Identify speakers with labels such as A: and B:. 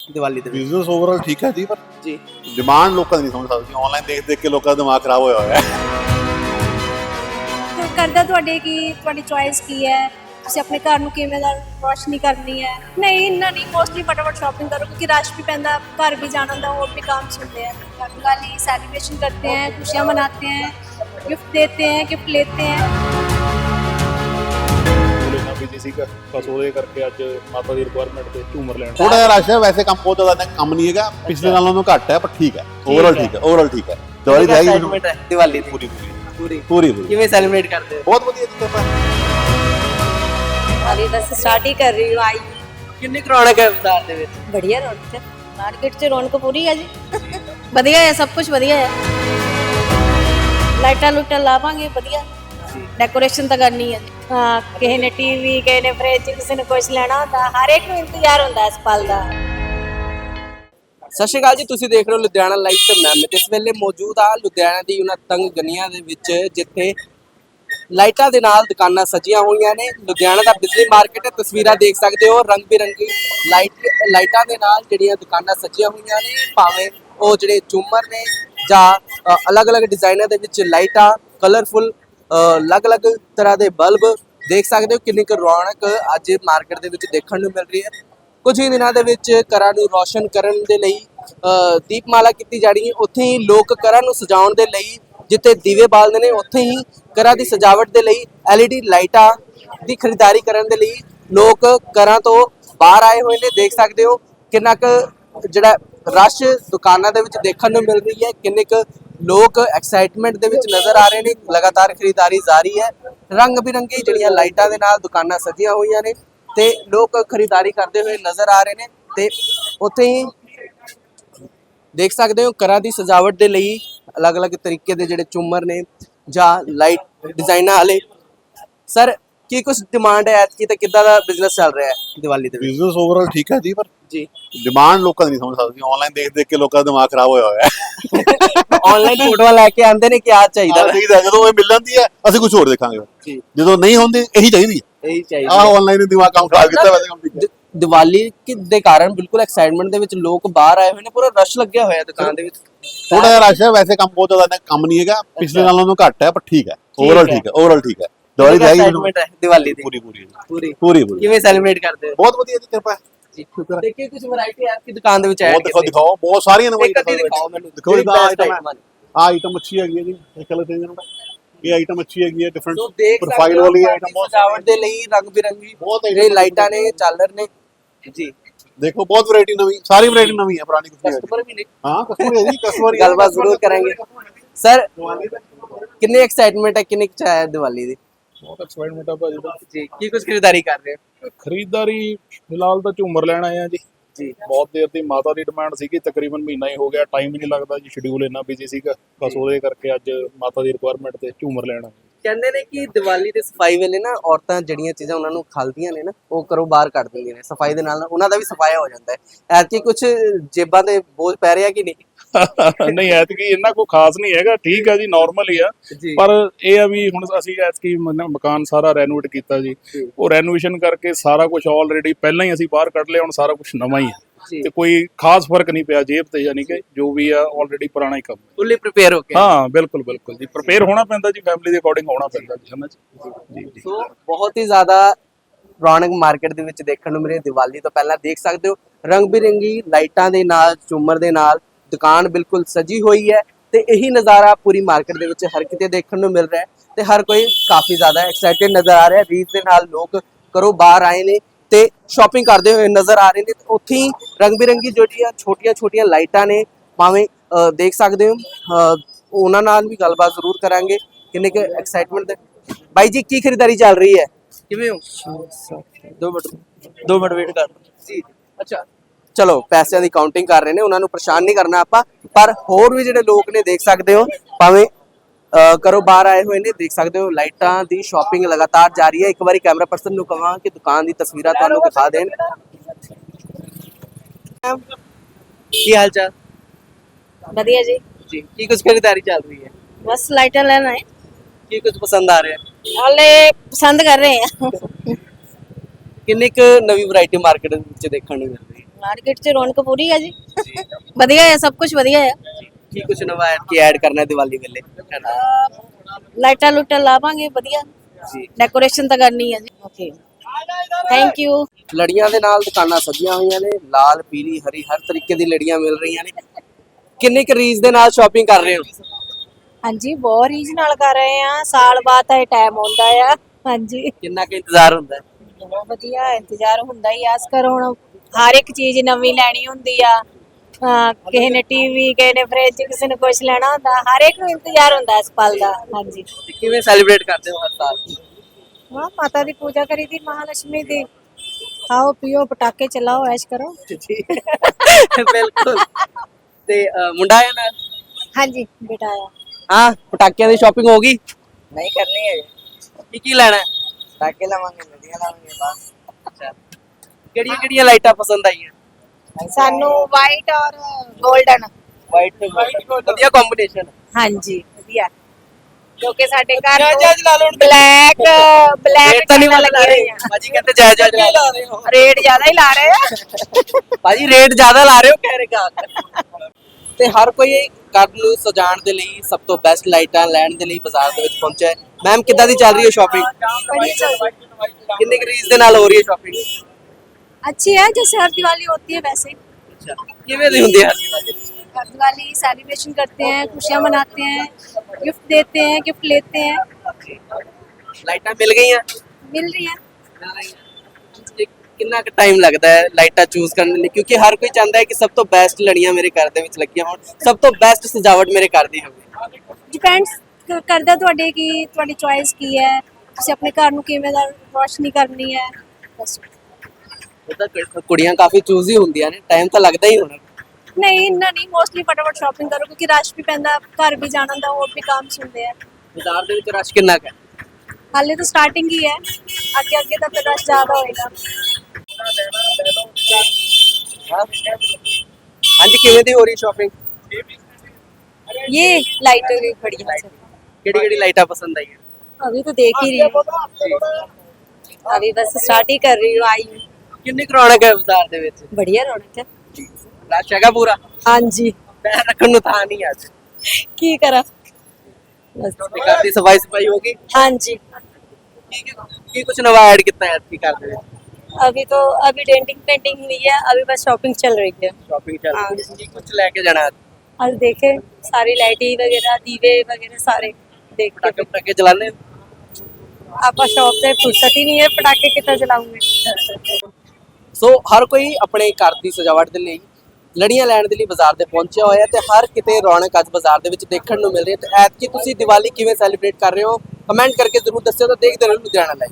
A: ਦੀਵਾਲੀ ਦੇ ਵਿੱਚ?
B: Business overall ਠੀਕ ਹੈ ਜੀ, ਪਰ
A: ਜੀ
B: ਡਿਮਾਂਡ ਲੋਕਾਂ ਦੀ ਨਹੀਂ ਸਮਝ ਸਕਦੀ। ਆਨਲਾਈਨ ਦੇਖ ਦੇਖ ਕੇ ਲੋਕਾਂ ਦਾ ਦਿਮਾਗ ਖਰਾਬ ਹੋਇਆ ਹੋਇਆ ਹੈ।
C: ਕਰਦਾ ਤੁਹਾਡੇ ਕੀ, ਤੁਹਾਡੀ ਚੋਇਸ ਕੀ ਹੈ, ਤੁਸੀਂ ਆਪਣੇ ਘਰ ਨੂੰ ਕਿਵੇਂ ਦਾ ਰੋਸ਼ਨੀ ਕਰਨੀ ਹੈ? ਨਹੀਂ ਇੰਨਾ ਨਹੀਂ, ਮੋਸਟਲੀ ਫਟਾਫਟ ਸ਼ॉपिंग करो क्योंकि रश भी पैंदा, घर भी जाना होता, और भी काम सुनते हैं। दिवाली सेलिब्रेशन करते हैं, खुशियाँ मनाते हैं, गिफ्ट देते हैं, गिफ्ट लेते हैं।
D: ਲੈਣਾ ਬਿਜੀ ਸੀਗਾ, ਬਸ ਉਹਦੇ ਕਰਕੇ ਅੱਜ ਮਾਤਾ ਦੀ ਰਿਕੁਆਇਰਮੈਂਟ ਤੇ ਝੂਮਰ ਲੈਣ
B: ਥੋੜਾ ਜਿਹਾ ਰਸ਼ ਹੈ, ਵੈਸੇ ਕੰਮ ਬਹੁਤ ਜ਼ਿਆਦਾ ਕੰਮ ਨਹੀਂ ਹੈਗਾ, ਪਿਛਲੇ ਨਾਲੋਂ ਨੂੰ ਘੱਟ ਹੈ, ਪਰ ਠੀਕ ਹੈ, ਓਵਰਆਲ ਠੀਕ ਹੈ, ਓਵਰਆਲ ਠੀਕ ਹੈ। ਦੀਵਾਲੀ ਦੀ
A: ਐਕਸਾਈਟਮੈਂਟ ਹੈ ਦੀਵਾਲੀ ਦੀ?
B: ਪੂਰੀ
A: ਪੂਰੀ
B: ਪੂਰੀ ਪੂਰੀ
A: ਕਿਵੇਂ ਸੈਲੀਬ੍ਰੇਟ ਕਰਦੇ ਹੋ?
B: ਬਹੁਤ ਵਧੀਆ ਦਿੱਤਾ ਪਰ
E: हाली बस स्टार्ट ही कर रही हूँ आई।
A: ਕਿੰਨੀ ਕੁ ਰੌਣਕ ਹੈ ਬਾਜ਼ਾਰ ਦੇ ਵਿੱਚ?
E: बढ़िया रौनक है मार्केट च रौनक पूरी है जी बढ़िया है सब कुछ बढ़िया है लाइटा लुटा लावांगे बढ़िया डेकोरेशन तो करनी है हाँ किसी ने टीवी किसी ने फ्रिज किसी ने कुछ लेना होता हर एक नूं इंतजार होता है इस पल का।
A: ਸਤਿ ਸ਼੍ਰੀ ਅਕਾਲ ਜੀ, ਤੁਸੀਂ ਦੇਖ ਰਹੇ ਹੋ ਲੁਧਿਆਣਾ ਲਾਈਵ ਤੇ ਮੈਂ ਇਸ ਵੇਲੇ ਮੌਜੂਦ ਆ ਲੁਧਿਆਣਾ ਦੀ ਉਹਨਾਂ ਤੰਗ ਗਲੀਆਂ ਦੇ ਵਿੱਚ ਜਿੱਥੇ ਲਾਈਟਾਂ ਦੇ ਨਾਲ ਦੁਕਾਨਾਂ ਸਜੀਆਂ ਹੋਈਆਂ ਨੇ। ਲੁਧਿਆਣਾ ਦਾ ਬਿਜਲੀ ਮਾਰਕੀਟ ਹੈ, ਤਸਵੀਰਾਂ ਦੇਖ ਸਕਦੇ ਹੋ, ਰੰਗ ਬਿਰੰਗੀ ਲਾਈਟਾਂ ਦੇ ਨਾਲ ਜਿਹੜੀਆਂ ਦੁਕਾਨਾਂ ਸਜੀਆਂ ਹੋਈਆਂ ਨੇ, ਭਾਵੇਂ ਉਹ ਜਿਹੜੇ ਝੂਮਰ ਨੇ ਜਾਂ ਅਲੱਗ-ਅਲੱਗ ਡਿਜ਼ਾਈਨਾਂ ਦੇ ਵਿੱਚ ਲਾਈਟਾਂ, ਕਲਰਫੁਲ ਅਲੱਗ-ਅਲੱਗ ਤਰ੍ਹਾਂ ਦੇ ਬਲਬ ਦੇਖ ਸਕਦੇ ਹੋ। ਕਿੰਨੀ ਕੁ ਰੌਣਕ ਅੱਜ ਮਾਰਕੀਟ ਦੇ ਵਿੱਚ ਦੇਖਣ ਨੂੰ ਮਿਲ ਰਹੀ ਹੈ। ਕੁਝ ਹੀ ਦਿਨਾਂ ਦੇ ਵਿੱਚ ਘਰਾਂ ਨੂੰ ਰੌਸ਼ਨ ਕਰਨ ਦੇ ਲਈ ਦੀਪਮਾਲਾ ਕੀਤੀ ਜਾਣੀ ਹੈ। ਉੱਥੇ ਹੀ ਲੋਕ ਘਰਾਂ ਨੂੰ ਸਜਾਉਣ ਦੇ ਲਈ ਜਿੱਥੇ ਦੀਵੇ ਬਾਲਦੇ ਨੇ, ਉੱਥੇ ਹੀ ਘਰਾਂ ਦੀ ਸਜਾਵਟ ਦੇ ਲਈ LED ਲਾਈਟਾਂ ਦੀ ਖਰੀਦਦਾਰੀ ਕਰਨ ਦੇ ਲਈ ਲੋਕ ਘਰਾਂ ਤੋਂ ਬਾਹਰ ਆਏ ਹੋਏ ਨੇ। ਦੇਖ ਸਕਦੇ ਹੋ ਕਿੰਨਾ ਕੁ ਜਿਹੜਾ ਰਸ਼ ਦੁਕਾਨਾਂ ਦੇ ਵਿੱਚ ਦੇਖਣ ਨੂੰ ਮਿਲ ਰਹੀ ਹੈ, ਕਿੰਨੇ ਕੁ ਲੋਕ ਐਕਸਾਈਟਮੈਂਟ ਦੇ ਵਿੱਚ ਨਜ਼ਰ ਆ ਰਹੇ ਨੇ। ਲਗਾਤਾਰ ਖਰੀਦਦਾਰੀ ਜਾਰੀ ਹੈ, ਰੰਗ ਬਿਰੰਗੀ ਜਿਹੜੀਆਂ ਲਾਈਟਾਂ ਦੇ ਨਾਲ ਦੁਕਾਨਾਂ ਸਜੀਆਂ ਹੋਈਆਂ ਨੇ ਤੇ ਲੋਕ ਖਰੀਦਦਾਰੀ ਕਰਦੇ ਹੋਏ ਨਜ਼ਰ ਆ ਰਹੇ ਨੇ। ਤੇ ਉੱਥੇ ਹੀ ਦੇਖ ਸਕਦੇ ਹੋ ਘਰਾਂ ਦੀ ਸਜਾਵਟ ਦੇ ਲਈ ਅਲੱਗ-ਅਲੱਗ ਤਰੀਕੇ ਦੇ ਜਿਹੜੇ ਝੂਮਰ ਨੇ ਜਾਂ ਲਾਈਟ ਡਿਜ਼ਾਈਨਾਂ ਵਾਲੇ। ਸਰ ਕੀ ਕੁਝ ਡਿਮਾਂਡ ਹੈ ਐਤਕੀ ਤੇ ਕਿੱਦਾਂ ਦਾ ਬਿਜ਼ਨਸ ਚੱਲ ਰਿਹਾ ਹੈ ਦੀਵਾਲੀ ਦੇ ਵਿੱਚ?
B: ਬਿਜ਼ਨਸ ਓਵਰਆਲ ਠੀਕ ਹੈ ਜੀ, ਪਰ
A: ਜੀ
B: ਡਿਮਾਂਡ ਲੋਕਾਂ ਦੀ ਨਹੀਂ ਸਮਝ ਸਕਦੀ। ਆਨਲਾਈਨ ਦੇਖ ਦੇਖ ਕੇ ਲੋਕਾਂ ਦਾ ਦਿਮਾਗ ਖਰਾਬ ਹੋਇਆ ਹੋਇਆ ਹੈ।
A: ਆਨਲਾਈਨ ਫੋਟੋਆਂ ਲੈ ਕੇ ਆਉਂਦੇ ਨੇ ਕਿ ਆ ਚਾਹੀਦਾ ਵਾ।
B: ਚਾਹੀਦਾ ਜਦੋਂ ਇਹ ਮਿਲ ਜਾਂਦੀ ਹੈ ਅਸੀਂ ਕੁਝ ਹੋਰ ਦੇਖਾਂਗੇ,
A: ਜੀ
B: ਜਦੋਂ ਨਹੀਂ ਹੁੰਦੀ ਇਹੀ ਚਾਹੀਦੀ ਹੈ।
A: ਇਹੀ ਚਾਹੀਦਾ
B: ਆਹ ਆਨਲਾਈਨ ਦਿਮਾਗ ਕੰਮ ਖਰਾਬ ਕੀਤਾ, ਵੈਸੇ ਕੰਮ ਠੀਕ ਹੈ।
A: ਦੀਵਾਲੀ ਦੇ ਕਾਰਨ ਬਿਲਕੁਲ ਐਕਸਾਈਟਮੈਂਟ ਦੇ ਵਿੱਚ ਲੋਕ ਬਾਹਰ ਆਏ ਹੋਏ ਨੇ, ਪੂਰਾ ਰਸ਼ ਲੱਗਿਆ ਹੋਇਆ ਦੁਕਾਨ ਦੇ ਵਿੱਚ।
B: ਥੋੜਾ ਜਿਹਾ ਰਸ਼ ਹੈ, ਵੈਸੇ ਕੰਮ ਬਹੁਤ ਜ਼ਿਆਦਾ ਕੰਮ ਨਹੀਂ ਹੈਗਾ, ਪਿਛਲੇ ਨਾਲੋਂ ਨੂੰ ਘੱਟ ਹੈ, ਪਰ ਠੀਕ ਹੈ, ਓਵਰਆਲ ਠੀਕ ਹੈ, ਓਵਰਆਲ ਠੀਕ ਹੈ। ਦੀਵਾਲੀ ਦੀ
A: ਐਕਸਾਈਟਮੈਂਟ ਹੈ ਦੀਵਾਲੀ ਦੀ?
B: ਪੂਰੀ ਪੂਰੀ
A: ਪੂਰੀ
B: ਪੂਰੀ ਪੂਰੀ
A: ਕਿਵੇਂ ਸੈਲੀਬ੍ਰੇਟ ਕਰਦੇ ਹੋ?
B: ਬਹੁਤ ਵਧੀਆ ਜੀ, ਕਿਰਪਾ ਹੈ।
A: ਜੀ ਦੇਖिए कुछ वैरायटी आपकी दुकान ਦੇ ਵਿੱਚ ਐਡ
B: ਬਹੁਤ ਦਿਖਾਓ, ਬਹੁਤ ਸਾਰੀਆਂ ਨਵਾਂ
A: ਦਿਖਾਓ ਮੈਨੂੰ।
B: ਦੇਖੋ ਇਹਦਾ ਆਈਟਮ ਅੱਛੀ ਹੈਗੀ ਹੈ ਜੀ, ਇਹ ਕਲਰ ਚੇਂਜ ਹੁੰਦਾ, ਇਹ ਆਈਟਮ ਅੱਛੀ ਹੈਗੀ ਹੈ, ਡਿਫਰੈਂਟ ਪ੍ਰੋਫਾਈਲ ਵਾਲੀ ਆਈਟਮ, ਬਹੁਤ
A: ਸਜਾਵਟ ਦੇ ਲਈ ਰੰਗ ਬਿਰੰਗੀ
B: ਬਹੁਤ
A: ਜਿਹੜੇ ਲਾਈਟਾਂ ਨੇ, ਚਾਲਰ ਨੇ। ਜੀ
B: ਦੇਖੋ ਬਹੁਤ ਵੈਰਾਈਟੀ ਨਵੀਂ, ਸਾਰੀ ਵੈਰਾਈਟੀ ਨਵੀਂ ਹੈ, ਪੁਰਾਣੀ ਕੁਝ ਨਹੀਂ ਹੈ।
A: ਕਸਟਮਰ ਵੀ ਨੇ?
B: ਹਾਂ ਕਸਟਮਰ ਹੈ ਜੀ, ਕਸਟਮਰ
A: ਗੱਲਬਾਤ ਜ਼ਰੂਰ ਕਰਾਂਗੇ। ਸਰ ਕਿੰਨੀ ਐਕਸਾਈਟਮੈਂਟ ਹੈ, ਕਿੰਨੀ ਚਾਹ ਹੈ ਦੀਵਾਲੀ ਦੀ?
D: ਬਹੁਤ ਐਕਸਾਈਟਮੈਂਟ ਆ ਭਾਜੀ ਦਾ।
A: ਜੀ ਕੀ ਕੁਝ ਖਰੀਦਦਾਰੀ ਕਰ ਰਹੇ ਹੋ?
D: ਖਰੀਦਦਾਰੀ ਫਿਲਹਾਲ ਤਾਂ ਝੂਮਰ ਲੈਣ ਆਏ ਆ ਜੀ।
A: ਜੀ
D: ਬਹੁਤ ਦੇਰ ਦੀ ਮਾਤਾ ਦੀ ਡਿਮਾਂਡ ਸੀਗੀ, ਤਕਰੀਬਨ ਮਹੀਨਾ ਹੀ ਹੋ ਗਿਆ, ਟਾਈਮ ਹੀ ਨਹੀਂ ਲੱਗਦਾ ਜੀ, ਸ਼ਡਿਊਲ ਇੰਨਾ ਬਿਜੀ ਸੀਗਾ, ਬਸ ਉਹਦੇ ਕਰਕੇ ਅੱਜ ਮਾਤਾ ਦੀ ਰਿਕੁਆਇਰਮੈਂਟ ਤੇ ਝੂਮਰ ਲੈਣ ਆਏ।
A: ਕਹਿੰਦੇ ਨੇ ਕਿ ਦੀਵਾਲੀ ਦੇ ਸਫਾਈ ਵੇਲੇ ਨਾ ਔਰਤਾਂ ਜਿਹੜੀਆਂ ਚੀਜ਼ਾਂ ਉਹਨਾਂ ਨੂੰ ਖਾਲਦੀਆਂ ਨੇ ਨਾ, ਉਹ ਘਰੋਂ ਬਾਹਰ ਕੱਢ ਦਿੰਦੀਆਂ ਨੇ। ਸਫਾਈ ਦੇ ਨਾਲ ਉਹਨਾਂ ਦਾ ਵੀ ਸਫਾਇਆ ਹੋ ਜਾਂਦਾ ਹੈ। ਐਤਕੀ ਕੁਝ ਜੇਬਾਂ ਦੇ ਬੋਝ ਪੈ ਰਿਹਾ ਕਿ ਨਹੀਂ?
D: ਨਹੀਂ ਐਤਕੀ ਇੰਨਾ ਕੋਈ ਖਾਸ ਨਹੀਂ ਹੈਗਾ, ਠੀਕ ਹੈ ਜੀ, ਨਾਰਮਲ ਹੀ ਆ।
A: ਜੀ
D: ਪਰ ਇਹ ਆ ਵੀ ਹੁਣ ਅਸੀਂ ਐਤਕੀ ਮਕਾਨ ਸਾਰਾ ਰੈਨੋਵੇਟ ਕੀਤਾ ਜੀ, ਉਹ ਰੈਨੋਵੇਸ਼ਨ ਕਰਕੇ ਸਾਰਾ ਕੁਝ ਆਲਰੇਡੀ ਪਹਿਲਾਂ ਹੀ ਅਸੀਂ ਬਾਹਰ ਕੱਢ ਲਿਆ, ਹੁਣ ਸਾਰਾ ਕੁਝ ਨਵਾਂ ਹੀ ਹੈ ਤੇ ਕੋਈ ਖਾਸ ਫਰਕ ਨਹੀਂ ਪਿਆ ਜੇਬ ਤੇ, ਯਾਨੀ ਕਿ ਜੋ ਵੀ ਆ ਆਲਰੇਡੀ ਪੁਰਾਣਾ ਹੀ ਕੰਮ ਹੈ।
A: ਫੁੱਲੀ ਪ੍ਰਿਪੇਅਰ ਹੋ ਕੇ?
D: ਹਾਂ ਬਿਲਕੁਲ ਬਿਲਕੁਲ ਜੀ, ਪ੍ਰਿਪੇਅਰ ਹੋਣਾ ਪੈਂਦਾ ਜੀ, ਫੈਮਿਲੀ ਦੇ ਅਕੋਰਡਿੰਗ ਹੋਣਾ ਪੈਂਦਾ ਜੀ, ਸਮਝ ਜੀ।
A: ਸੋ ਬਹੁਤ ਹੀ ਜ਼ਿਆਦਾ ਰੌਣਕ ਮਾਰਕੀਟ ਦੇ ਵਿੱਚ ਦੇਖਣ ਨੂੰ ਮਿਲੇ। ਦੀਵਾਲੀ ਤੋਂ ਪਹਿਲਾਂ ਦੇਖ ਸਕਦੇ ਹੋ ਰੰਗ ਬਿਰੰਗੀ ਲਾਈਟਾਂ ਦੇ ਨਾਲ, ਝੂਮਰ ਦੇ ਨਾਲ ਦੁਕਾਨ ਬਿਲਕੁਲ ਸਜੀ ਹੋਈ ਹੈ ਤੇ ਇਹੀ ਨਜ਼ਾਰਾ ਪੂਰੀ ਮਾਰਕੀਟ ਦੇ ਵਿੱਚ ਹਰ ਕਿਤੇ ਦੇਖਣ ਨੂੰ ਮਿਲ ਰਿਹਾ ਹੈ ਤੇ ਹਰ ਕੋਈ ਕਾਫੀ ਜ਼ਿਆਦਾ ਐਕਸਾਈਟਡ ਨਜ਼ਰ ਆ ਰਿਹਾ ਹੈ। ਰੀਤ ਦੇ ਨਾਲ ਲੋਕ ਘਰੋਂ ਬਾਹਰ ਆਏ ਨੇ ਤੇ ਸ਼ਾਪਿੰਗ ਕਰਦੇ ਹੋਏ ਨਜ਼ਰ ਆ ਰਹੇ ਨੇ। ਉੱਥੇ ਹੀ ਰੰਗ ਬਿਰੰਗੀ ਜਿਹੜੀਆਂ ਛੋਟੀਆਂ ਲਾਈਟਾਂ ਨੇ, ਭਾਵੇਂ ਦੇਖ ਸਕਦੇ ਹੋ, ਉਹਨਾਂ ਨਾਲ ਵੀ ਗੱਲਬਾਤ ਜ਼ਰੂਰ ਕਰਾਂਗੇ। ਕਿੰਨੇ ਕੁ ਐਕਸਾਈਟਮੈਂਟ ਦੇ ਬਾਈ ਜੀ, ਕੀ ਖਰੀਦਦਾਰੀ ਚੱਲ ਰਹੀ ਹੈ? ਕਿਵੇਂ ਹੋ? 2 ਮਿੰਟ ਵੇਟ ਕਰ ਜੀ। ਅੱਛਾ ਚਲੋ, ਪੈਸਿਆਂ ਦੀ ਕਾਊਂਟਿੰਗ ਕਰ ਰਹੇ ਨੇ, ਉਹਨਾਂ ਨੂੰ ਪਰੇਸ਼ਾਨ ਨਹੀਂ ਕਰਨਾ ਆਪਾਂ। ਪਰ ਹੋਰ ਵੀ ਜਿਹੜੇ ਲੋਕ ਨੇ ਦੇਖ ਸਕਦੇ ਹੋ, ਭਾਵੇਂ ਘਰੋਂ ਬਾਹਰ ਆਏ ਹੋਏ ਨੇ, ਦੇਖ ਸਕਦੇ ਹੋ ਲਾਈਟਾਂ ਦੀ ਸ਼ਾਪਿੰਗ ਲਗਾਤਾਰ ਜਾਰੀ ਹੈ। ਇੱਕ ਵਾਰੀ ਕੈਮਰਾ ਪਰਸਨ ਨੂੰ ਕਹਾਂ ਕਿ ਦੁਕਾਨ ਦੀ ਤਸਵੀਰਾਂ ਤੁਹਾਨੂੰ ਦਿਖਾ ਦੇਣ। ਕੀ ਹਾਲ ਚਾਲ?
E: बढ़िया जी
A: ਜੀ ਕੀ ਕੁਝ ਖਰੀਦਦਾਰੀ ਚੱਲ ਰਹੀ ਹੈ?
E: बस लाइटा लेना है
A: ਕੀ ਕੁਝ ਪਸੰਦ ਆ ਰਿਹਾ ਹੈ?
E: हाले पसंद कर रहे हैं
A: ਕਿੰਨੀ ਕੁ ਨਵੀਂ ਵੈਰਾਈਟੀ ਮਾਰਕੀਟ ਵਿੱਚ ਦੇਖਣ ਨੂੰ ਮਿਲ ਰਹੀ ਹੈ?
E: ਮਾਰਕੀਟ 'ਚ ਰੌਣਕ ਪੂਰੀ ਹੈ ਜੀ ਵਧੀਆ ਹੈ ਸਭ ਕੁਝ ਵਧੀਆ ਹੈ
A: ਕੀ ਕੁਝ ਨਵਾਂ ਕੀ ਐਡ ਕਰਨਾ ਹੈ ਦੀਵਾਲੀ ਵੇਲੇ?
E: ਲਾਈਟਾਂ ਲੁੱਟਾਂ ਲਾਵਾਂਗੇ ਵਧੀਆ
A: ਜੀ
E: ਡੈਕੋਰੇਸ਼ਨ ਤਾਂ ਕਰਨੀ ਹੈ ਜੀ ਓਕੇ ਥੈਂਕ ਯੂ
A: ਲੜੀਆਂ ਦੇ ਨਾਲ ਦੁਕਾਨਾਂ ਸਜੀਆਂ ਹੋਈਆਂ ਨੇ, ਲਾਲ ਪੀਲੀ ਹਰੀ ਹਰ ਤਰੀਕੇ ਦੀ ਲੜੀਆਂ ਮਿਲ ਰਹੀਆਂ ਨੇ। ਕਿੰਨੇ ਕੁ ਰੀਝ ਦੇ ਨਾਲ ਸ਼ਾਪਿੰਗ ਕਰ ਰਹੇ ਹੋ?
E: ਹਾਂਜੀ ਬਹੁਤ ਰੀਝ ਨਾਲ ਕਰ ਰਹੇ ਆ ਸਾਲ ਬਾਅਦ ਇਹ ਟਾਈਮ ਆਉਂਦਾ ਆ ਹਾਂਜੀ
A: ਕਿੰਨਾ ਕੁ ਇੰਤਜ਼ਾਰ ਹੁੰਦਾ ਹੈ?
E: ਬਹੁਤ ਵਧੀਆ ਇੰਤਜ਼ਾਰ ਹੁੰਦਾ ਹੀ ਆਸ ਕਰ ਹੁਣ ਹਰ ਇੱਕ ਚੀਜ਼ ਨਵੀਂ ਲੈਣੀ ਹੁੰਦੀ ਆ ਕਿਸੇ ਨੇ ਟੀਵੀ ਕਿਸੇ ਨੇ ਫ੍ਰਿਜ ਕਿਸੇ ਨੇ ਕੁਝ ਲੈਣਾ ਹੁੰਦਾ ਹਰ ਇੱਕ ਨੂੰ ਇੰਤਜ਼ਾਰ ਹੁੰਦਾ ਇਸ ਪਲ ਦਾ ਹਾਂਜੀ
A: ਤੇ ਕਿਵੇਂ ਸੈਲੀਬ੍ਰੇਟ ਕਰਦੇ ਹੋ ਹਰ ਸਾਲ?
E: ਹਾਂ ਮਾਤਾ ਦੀ ਪੂਜਾ ਕਰੀ ਦੀ ਮਹਾਲక్ష్ਮੀ ਦੀ ਖਾਓ ਪੀਓ ਪਟਾਕੇ ਚਲਾਓ ਐਸ਼ ਕਰੋ
A: ਜੀ ਬਿਲਕੁਲ। ਤੇ ਮੁੰਡਾ ਆਇਆ ਨਾਲ?
E: ਹਾਂਜੀ ਬੇਟਾ ਆਇਆ
A: ਹਾਂ, ਪਟਾਕਿਆਂ ਦੀ ਸ਼ਾਪਿੰਗ ਹੋ ਗਈ?
E: ਨਹੀਂ ਕਰਨੀ ਹੈ
A: ਕੀ ਲੈਣਾ ਹੈ?
E: ਪਟਾਕੇ ਲਾਵਾਂਗੇ ਨਦੀਆਂ ਲਾਵਾਂਗੇ ਬਸ
A: ਅੱਛਾ, ਕਿਹੜੀਆਂ ਕਿਹੜੀਆਂ ਲਾਈਟਾਂ ਪਸੰਦ ਆਈਆਂ?
E: ਸਾਨੂੰ ਵਾਈਟ ਔਰ 골ਡਨ
A: ਵਾਈਟ ਤੇ ਵਧੀਆ ਕੰਬੀਨੇਸ਼ਨ।
E: ਹਾਂਜੀ ਵਧੀਆ ਕਿਉਂਕਿ ਸਾਡੇ ਘਰ
A: ਜਾਇਜ਼ ਲਾ ਲਓ
E: ਬਲੈਕ
A: ਰੇਟ ਤਾਂ ਨਹੀਂ ਲੱਗ ਰਹੇ ਭਾਜੀ, ਕਹਿੰਦੇ ਜਾਇਜ਼ ਲਾ ਰਹੇ ਹੋ।
E: ਰੇਟ ਜ਼ਿਆਦਾ ਹੀ ਲਾ ਰਹੇ ਆ
A: ਭਾਜੀ ਰੇਟ ਜ਼ਿਆਦਾ ਲਾ ਰਹੇ ਹੋ ਕਹਿ ਰਹੇ ਗਾਹਕ। ਤੇ ਹਰ ਕੋਈ ਘਰ ਨੂੰ ਸਜਾਉਣ ਦੇ ਲਈ ਸਭ ਤੋਂ ਬੈਸਟ ਲਾਈਟਾਂ ਲੈਣ ਦੇ ਲਈ ਬਾਜ਼ਾਰ ਦੇ ਵਿੱਚ ਪਹੁੰਚਿਆ ਹੈ। ਮੈਮ ਕਿੱਦਾਂ ਦੀ ਚੱਲ ਰਹੀ ਹੈ ਸ਼ਾਪਿੰਗ?
C: बढ़िया चल रही है।
A: ਕਿੰਨੇ ਕੁ ਰੀਝ ਦੇ ਨਾਲ ਹੋ ਰਹੀ ਹੈ ਸ਼ਾਪਿੰਗ?
C: अच्छी है जैसे हर दिवाली होती है वैसे
A: ਅੱਛਾ, ਕਿਵੇਂ ਦੀ ਹੁੰਦੀ ਹੈ ਹਰ ਦੀਵਾਲੀ?
C: हर दिवाली सेलिब्रेशन करते हैं खुशियाँ मनाते हैं गिफ्ट देते हैं गिफ्ट लेते हैं
A: ਲਾਈਟਾਂ ਮਿਲ ਗਈਆਂ?
C: मिल रही है
A: ਤੇ ਕਿੰਨਾ ਕੁ ਟਾਈਮ ਲੱਗਦਾ ਹੈ ਲਾਈਟਾਂ ਚੂਜ਼ ਕਰਨ ਲਈ? ਕਿਉਂਕਿ ਹਰ ਕੋਈ ਚਾਹੁੰਦਾ ਹੈ ਕਿ ਸਭ ਤੋਂ ਬੈਸਟ ਲੜੀਆਂ ਮੇਰੇ ਘਰ ਦੇ ਵਿੱਚ ਲੱਗੀਆਂ ਹੋਣ, ਸਭ ਤੋਂ ਬੈਸਟ ਸਜਾਵਟ ਮੇਰੇ ਘਰ ਦੀ ਹੋਵੇ।
C: ਡਿਪੈਂਡਸ ਕਰਦਾ ਤੁਹਾਡੇ ਕੀ ਤੁਹਾਡੀ ਚੋਇਸ ਕੀ ਹੈ ਤੁਸੀਂ ਆਪਣੇ ਘਰ ਨੂੰ ਕਿਵੇਂ ਦਾ ਰੋਸ਼ਨੀ ਕਰਨੀ ਹੈ ਬਸ
A: ਉਹ ਤਾਂ ਕੁੜੀਆਂ ਕਾਫੀ ਚੂਜ਼ੀ ਹੁੰਦੀਆਂ ਨੇ, ਟਾਈਮ ਤਾਂ ਲੱਗਦਾ ਹੀ ਹੋਣਾ।
C: ਨਹੀਂ ਇੰਨਾ ਨਹੀਂ ਮੋਸਟਲੀ ਫਟਾਫਟ ਸ਼ਾਪਿੰਗ ਕਰੋ ਕਿਉਂਕਿ ਰਸ਼ ਵੀ ਪੈਂਦਾ ਘਰ ਵੀ ਜਾਣਾ ਹੁੰਦਾ ਹੋਰ ਵੀ ਕੰਮ ਹੁੰਦੇ ਆ
A: ਬਾਜ਼ਾਰ ਦੇ ਵਿੱਚ ਰਸ਼ ਕਿੰਨਾ ਕੁ ਹੈ?
C: ਹਾਲੇ ਤਾਂ ਸਟਾਰਟਿੰਗ ਹੀ ਹੈ ਅੱਗੇ ਅੱਗੇ ਤਾਂ ਫਿਰ ਰਸ਼ ਜ਼ਿਆਦਾ ਹੋਏਗਾ
A: ਹਾਂਜੀ, ਕਿਵੇਂ ਦੀ ਹੋ ਰਹੀ ਸ਼ਾਪਿੰਗ?
E: ये लाइट बढ़िया है
A: ਕਿਹੜੀ ਕਿਹੜੀ ਲਾਈਟਾਂ ਪਸੰਦ ਆਈਆਂ?
E: अभी तो देख ही रही हूँ अभी बस स्टार्ट ही कर रही हूँ आई हूँ
A: ਕਿੰਨੀ ਕੁ ਰੌਣਕ ਹੈ ਬਾਜ਼ਾਰ ਦੇ ਵਿੱਚ?
E: बढ़िया रौनक है
A: ਰਸ਼ ਹੈਗਾ ਪੂਰਾ?
E: हाँ जी
A: ਪੈਰ ਰੱਖਣ ਨੂੰ ਥਾਂ ਨਹੀਂ ਅੱਜ।
E: की करा बस
A: ਤੇ ਘਰ ਦੀ ਸਫਾਈ ਹੋ ਗਈ?
E: हाँ जी
A: ਕੀ ਕੁਝ ਨਵਾਂ ਐਡ ਕੀਤਾ ਹੈ ਐਤਕੀ ਘਰ ਦੇ ਵਿੱਚ?
E: अभी डेंटिंग पेंटिंग हुई है अभी बस शॉपिंग चल रही है
A: ਸ਼ਾਪਿੰਗ ਚੱਲ
E: हाँ
A: ਰਹੀ ਹੈ। ਕੀ ਕੁਝ ਲੈ ਕੇ ਜਾਣਾ?
E: आज देखे सारी लाइटिंग वगैरह दीवे वगैरह सारे देख के
A: ਪਟਾਕੇ ਪਟਾਕੇ ਚਲਾਣੇ?
E: आप शॉप से फुर्सत ही नहीं है पटाखे कितना चलाऊंगे
A: ਸੋ ਹਰ ਕੋਈ ਆਪਣੇ ਘਰ ਦੀ ਸਜਾਵਟ ਦੇ ਲਈ ਲੜੀਆਂ ਲੈਣ ਦੇ ਲਈ ਬਾਜ਼ਾਰ ਦੇ ਪਹੁੰਚਿਆ ਹੋਇਆ ਤੇ ਹਰ ਕਿਤੇ ਰੌਣਕ ਅੱਜ ਬਾਜ਼ਾਰ ਦੇ ਵਿੱਚ ਦੇਖਣ ਨੂੰ ਮਿਲ ਰਹੀ ਹੈ। ਤੇ ਐਤਕੀ ਤੁਸੀਂ ਦੀਵਾਲੀ ਕਿਵੇਂ ਸੈਲੀਬ੍ਰੇਟ ਕਰ ਰਹੇ ਹੋ? ਕਮੈਂਟ ਕਰਕੇ ਜ਼ਰੂਰ ਦੱਸਿਓ। ਤਾਂ ਦੇਖਦੇ ਰਹੋ ਲੁਧਿਆਣਾ ਲਾਈਵ।